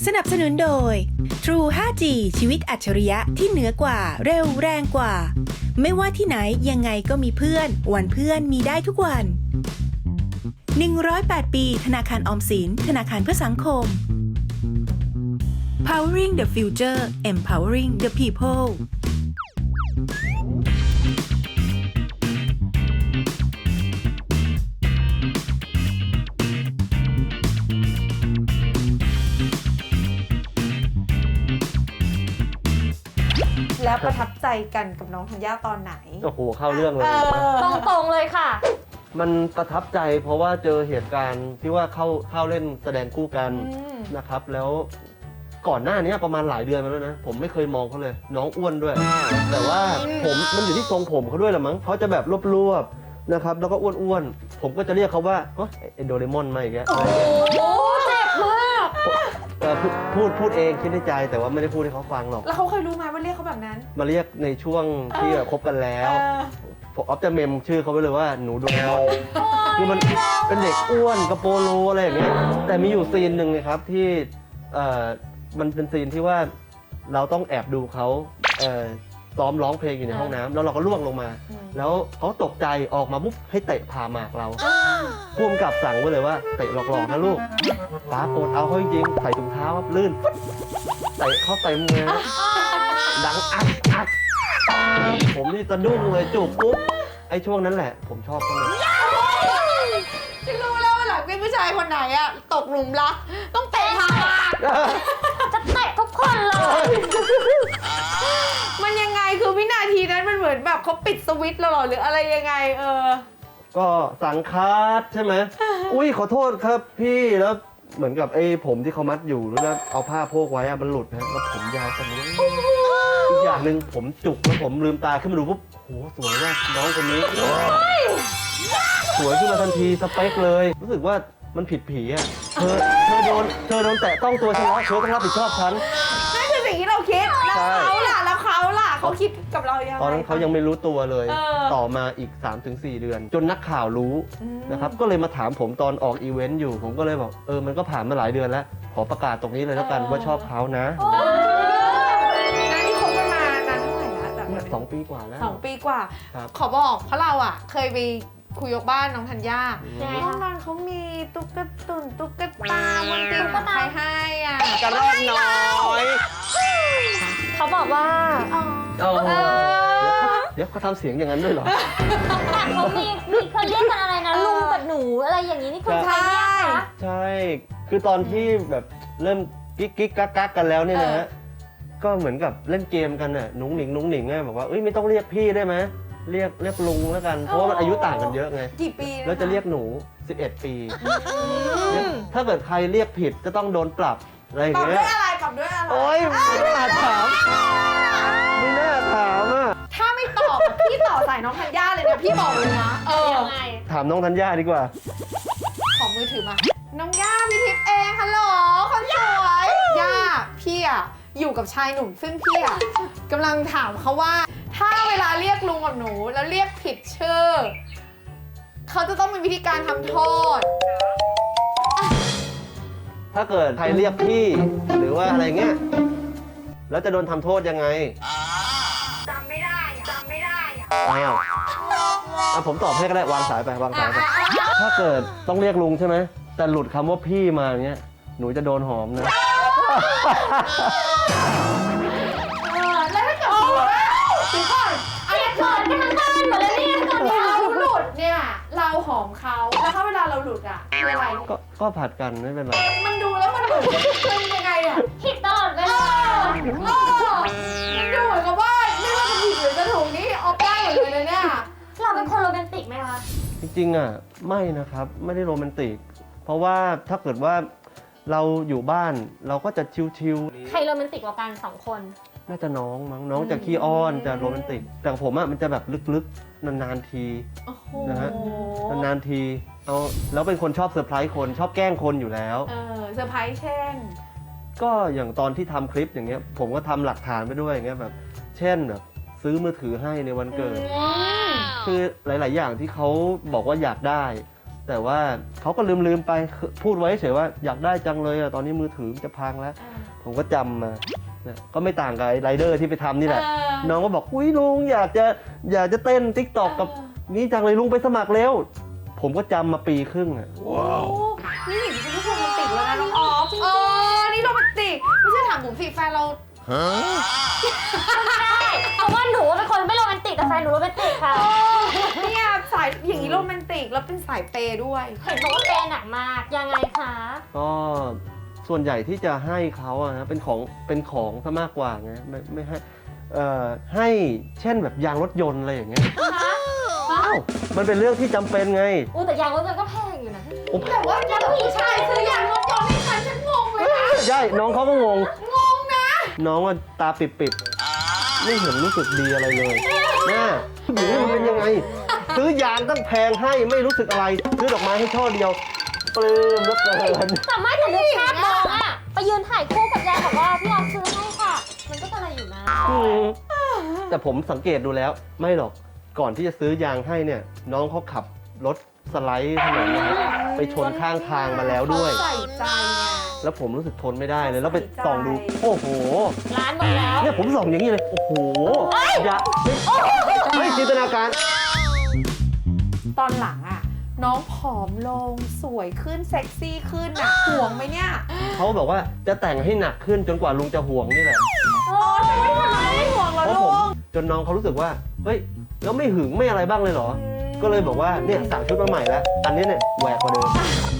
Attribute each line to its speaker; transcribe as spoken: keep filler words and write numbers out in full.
Speaker 1: สนับสนุนโดย True ไฟว์จี ชีวิตอัจฉริยะที่เหนือกว่าเร็วแรงกว่า ไม่ว่าที่ไหนยังไงก็มีเพื่อนวันเพื่อนมีได้ทุกวันหนึ่งร้อยแปดปีธนาคารออมสินธนาคารเพื่อสังคม Powering the Future Empowering the People
Speaker 2: แล้วประทับใจกันกับน้องธัญญาตอนไหน
Speaker 3: โอ้โหเข้าเรื่องเลย
Speaker 4: ตรงๆเลยค่ะ
Speaker 3: มันประทับใจเพราะว่าเจอเหตุการณ์ที่ว่าเข้าเข้าเล่นแสดงคู่กัน
Speaker 2: อืม
Speaker 3: นะครับ แล้วก่อนหน้านี้ประมาณหลายเดือนมาแล้วนะผมไม่เคยมองเขาเลย น้องอ้วนด้วย แต่ว่าผมมันอยู่ที่ทรงผมเขาด้วยแหละมั้งเขาจะแบบรวบๆนะครับแล้วก็อ้วนๆผมก็จะเรียกเขาว่าเฮ้ยไอ้โดเรมอนมาอีกแล้ว
Speaker 4: โอ้เจ็บมาก
Speaker 3: เออพูดพูดพูดเองคิดในใจแต่ว่าไม่ได้พูดให้เขาฟังหรอก
Speaker 2: แล้วเขาเคยรู้ไหมว่าเรียกเขาแบบนั้น
Speaker 3: มาเรียกในช่วงที่แบบคบกันแล้ว
Speaker 2: เออ
Speaker 3: ผมออฟจะเมมชื่อเขาไว้เลยว่าหนูโดเรมอนคือมันเป็นเด็กอ้วนกระโปโลอะไรอย่างเงี้ยแต่มีอยู่ซีนหนึ่งเลยครับที่เอ่อมันเป็นซีนที่ว่าเราต้องแอบดูเขาเอ่อซ้อมร้องเพลงอยู่ในห้องน้ำแล้วเราก็ล่วงลงมา แล้วเขาตกใจออกมาปุ๊บให้เตะผ่าหมากเราพ่วงกับสั่งไว้เลยว่าเตะหลอกๆนะลูกป้าโกรธเอาเขาจริงๆใส่ถุงเท้าครับลื่นเตะเข้าเต็มเลยดังอักอักผมนี่สะดุ้งเลยจูบปุ๊บไอ้ช่วงนั้นแหละผมชอบเขาเลย
Speaker 2: ฉันรู้แล้วว่าหลังเป็นผู้ชายคนไหนอะตกหลุมรักต้องเตะผ่าน
Speaker 4: จะเตะทุกคนเลย
Speaker 2: มันยังไงคือวินาทีนั้นมันเหมือนแบบเขาปิดสวิตช์เราเหรอหรืออะไรยังไงเออ
Speaker 3: ก็สังคัดใช่ไหม อุ้ยขอโทษครับพี่แล้วเหมือนกับไอ้ผมที่เขามัดอยู่แล้วเอาผ้าโพกไว้อะมันหลุดนะแล้วผมยาวคนนี้อีกอย่างหนึ่งผมจุกแล้วผมลืมตาขึ้นมาดูปุ๊บโหสวยมากน้องคนนี้สวยขึ้นมาทันทีสเปคเลย รู้สึกว่ามันผิดผีอ่ะเธอเธอโดนเธอโดนแตะต้องตัวฉันแล้วเธอต้องรับผิดชอบฉัน
Speaker 2: นั่นคือสิ่งที่เราคิดแล้ว
Speaker 3: ใช่
Speaker 2: เขาล่ะแล้วเขาล่ะเขาคิดกับเรายังไง
Speaker 3: ตอนนั้นเขายังไม่รู้ตัวเลย
Speaker 2: เออ
Speaker 3: ต่อมาอีก สามถึงสี่ เดือน จนนักข่าวรู้
Speaker 2: อืม
Speaker 3: นะครับ ก็เลยมาถามผมตอนออกอีเวนต์อยู่ ผมก็เลยบอก เออ มันก็ผ่านมาหลายเดือนแล้ว ขอประกาศตรงนี้เลยแล้วกันว่าชอบเขานะ
Speaker 2: นั่นที่คบกันมานานเท่าไหร่นะจาก
Speaker 3: เนี่ยสองปีกว่าแล้ว
Speaker 2: สองปีกว่า
Speaker 3: ครับ
Speaker 2: ขอบอกเพราะเราอ่ะ เคยไปคุยยกบ้านน้องธัญญา
Speaker 4: ยังไง
Speaker 2: ห้อง
Speaker 4: คะ
Speaker 2: นอนเขามีตุ๊กตุนตุ๊กตาบนเตียง
Speaker 4: ตุ๊กตา
Speaker 2: ใครให้อ่ะ
Speaker 3: กระรอกน้อย
Speaker 4: เขาบอกว่า
Speaker 2: อ๋อ
Speaker 3: โอ้โห
Speaker 2: เออ
Speaker 3: เดี๋ยวเขาทำเสียงอย่างนั้นด้วยเหรอ
Speaker 4: แต่เขามีมีเคยเรียกกันอะไรนะ ลุงกับหนูอะไรอย่างนี้นี่คุณใครเรียกคะ
Speaker 3: ใช่ คือตอนที่แบบเริ่มกิ๊กกิ๊กกักกักกันแล้วเนี่ยนะฮะ ก็เหมือนกับเล่นเกมกันน่ะนุ้งหนิงนุ้งหนิงไงบอกว่าเอ้ยไม่ต้องเรียกพี่ได้ไหมเรียกเรียกลุงแล้วกัน เพราะว่ามันอายุต่างกันเยอะไง
Speaker 2: กี่ปี
Speaker 3: แล้วจะเรียกหนู สิบเอ็ด ปี ถ้าเกิดใครเรียกผิดจะต้องโดนปรับอะไรอย่าง
Speaker 2: ปรับ
Speaker 3: เงี้
Speaker 2: ด้วย ยอะไรปรับด้วยอะไร
Speaker 3: โอ๊ยไม่น่าถาม ไม่น่าถามอ่ะ
Speaker 2: ถ้าไม่ตอบอะพี่ต่อสายน้องธัญญาเลยนะพี่บอกเลยนะเออ
Speaker 4: ยังไง
Speaker 3: ถามน้องธัญญาดีกว่า
Speaker 2: ขอมือถือมา น้องย่าพี่ทิพย์เองฮัลโหลคนสวยย่าพี่อะอยู่กับชายหนุ่มซึ่งพี่อะกำลังถามเขาว่า ถ้าเวลาเรียกลุงกับหนูแล้วเรียกผิดชื่อเขาจะต้องมีวิธีการทำโทษ
Speaker 3: ถ้าเกิดใครเรียกพี่หรือว่าอะไรเงี้ย แล้วจะโดนทำโทษยังไงจำไม่ได้จำไม่ได้อ้าวอ่ะผมตอบให้ก็ได้วางสายไปวางสายไป ถ้าเกิดต้องเรียกลุงใช่ไหม แต่หลุดคำว่าพี่มาเนี้ย หนูจะโดนหอมนะ
Speaker 2: เออแล้วถ้าเกิดพี่ว่าถึงก่อนอันนี้
Speaker 4: เกิดกันทั้งบ้านหมดเลยเนี่ยตอนนี้
Speaker 2: เราหลุดเนี่ยเราหอมเขาแล้วถ้าเวลาเราหลุดอะคืออะไร
Speaker 3: ก็ก็ผัดกันไม่เป็นไร
Speaker 2: มันดูแล้วมันเหมือนเป็นยังไงอะ
Speaker 4: ผิดตลอดเว
Speaker 2: เอ
Speaker 4: ลา
Speaker 2: อเออมันดูเหมือนกับว่าไม่ว่าจะผิดหรือจะถูกนี่ออกได้หมดเลยนะเนี่ย
Speaker 4: เราเป็นคนโรแมนติกไหมคะ
Speaker 3: จริงๆอ่ะไม่นะครับไม่ได้โรแมนติก เพราะว่าถ้าเกิดว่าเราอยู่บ้านเราก็จะชิว
Speaker 4: ใครโรแมนติกกว่ากันสองคน
Speaker 3: ๆน่าจะน้องมั้งน้องจะขี้อ้อนจะโรแมนติก แต่ผมอ่ะมันจะแบบลึกๆนานๆที
Speaker 2: โอ้โห
Speaker 3: นะฮะ นานๆทีเอาแล้วเป็นคนชอบเซอร์ไพรส์คนชอบแกล้งคนอยู่แล้ว
Speaker 2: เออเซอร์ไพรส์เช่น
Speaker 3: ก็อย่างตอนที่ทำคลิปอย่างเงี้ยผมก็ทำหลักฐานไปด้วยอย่างเงี้ยแบบเช่นแบบซื้อมือถือให้ในวันเกิด คือหลาย ๆ อย่างที่เขาบอกว่าอยากได้แต่ว่าเขาก็ลืมลืมๆไปพูดไว้เฉยว่าอยากได้จังเลยอะตอนนี้มือถือจะพังแล้ว ผมก็จำมาเนี่ยก็ไม่ต่างกับไอ้ไรเดอร์ที่ไปทำนี่แหละ
Speaker 2: เออ
Speaker 3: น้องก็บอกอุ้ยลุงอยากจะอยากจะเต้นติ๊กตอกกับนี่จังเลยลุงไปสมัครเร็ว ผมก็จำมาปีครึ่งอะ
Speaker 2: ว้าวนี่อย่างนี้เป็นลูกโรแมนติกแล้วนะน้องออฟเออนี่โรแมนติกไม่ใช่ถามบุ๋มสิแฟนเรา
Speaker 4: ใช่เพราะว่าหนูเป็นคนไม่โรแมนติกแต่แฟนหนูโรแมนติกค่ะ
Speaker 2: เนี่ยสายอย่างนี้โรแมนติกแล้วเป็นสายเปย์ด้วย
Speaker 4: เห็นบอกว่าเปย์หนักมากยังไงคะ
Speaker 3: ก็ส่วนใหญ่ที่จะให้เขาอะนะเป็นของเป็นของซะมากกว่าไงไม่ไม่ให้เอ่อให้เช่นแบบยางรถยนต์อะไรอย่างเงี้ย
Speaker 4: ฮะ
Speaker 3: อ้าวมันเป็นเรื่องที่จำเป็นไง
Speaker 4: อู้แต่ยางรถยนต์ก็แพงอยู่นะ
Speaker 3: โอ้
Speaker 2: แต่ว่าถ้าผู้ชายซื้อยางรถยนต์ให้ฉันฉันงงเลยนะ
Speaker 3: ใช่น้องเขาก็งง
Speaker 2: งงนะ
Speaker 3: น้องว่าตาปิดๆไม่เห็นรู้สึกดีอะไรเลยนะผู้หญิงมันเป็นยังไง ซื้อยางตั้งแพงให้ไม่รู้สึกอะไร ซื้อดอกไม้ให้ช่อเดียวปลื้มเหลือเกิน
Speaker 4: แต่ไม่แต่นึกภาพมองอะไปยืนถ่ายคู่กับยายบอกว่าพี่ออมซื้อให้ค่ะ มันก็อะไรอยู่นะ
Speaker 3: อืมแต่ผมสังเกตดูแล้วไม่หรอกก่อนที่จะซื้อยางให้เนี่ย น้องเขาขับรถสไลด์ถนนนะครับไปชนข้างทางมาแล้วด้วย
Speaker 2: ใส่ใจไง
Speaker 3: แล้วผมรู้สึกทนไม่ได้เลย แล้วไปส่องดู โอ้โห
Speaker 4: ร้านหมดแล้ว
Speaker 3: เนี่ยผมส่องอย่างนี้เลย โอ้โหอย่าไม่จินตนาการ
Speaker 2: ตอนหลังอ่ะ น้องผอมลงสวยขึ้นเซ็กซี่ขึ้นอ่ะห่วงไหมเนี่ย
Speaker 3: เขาบอกว่าจะแต่งให้หนักขึ้นจนกว่าลุงจะห่วงนี่แหละ
Speaker 2: โอ้ยไม่ทำไมไม่ห่วงเหรอ
Speaker 3: เพราะ
Speaker 2: ลุ
Speaker 3: ผม
Speaker 2: ง
Speaker 3: จนน้องเขารู้สึกว่า เฮ้ย แล้วไม่หึงไม่อะไรบ้างเลยเหรอ ก็เลยบอกว่าเนี่ยสั่งชุดมาใหม่แล้ว อันนี้เนี่ยแหวกกว่าเดิม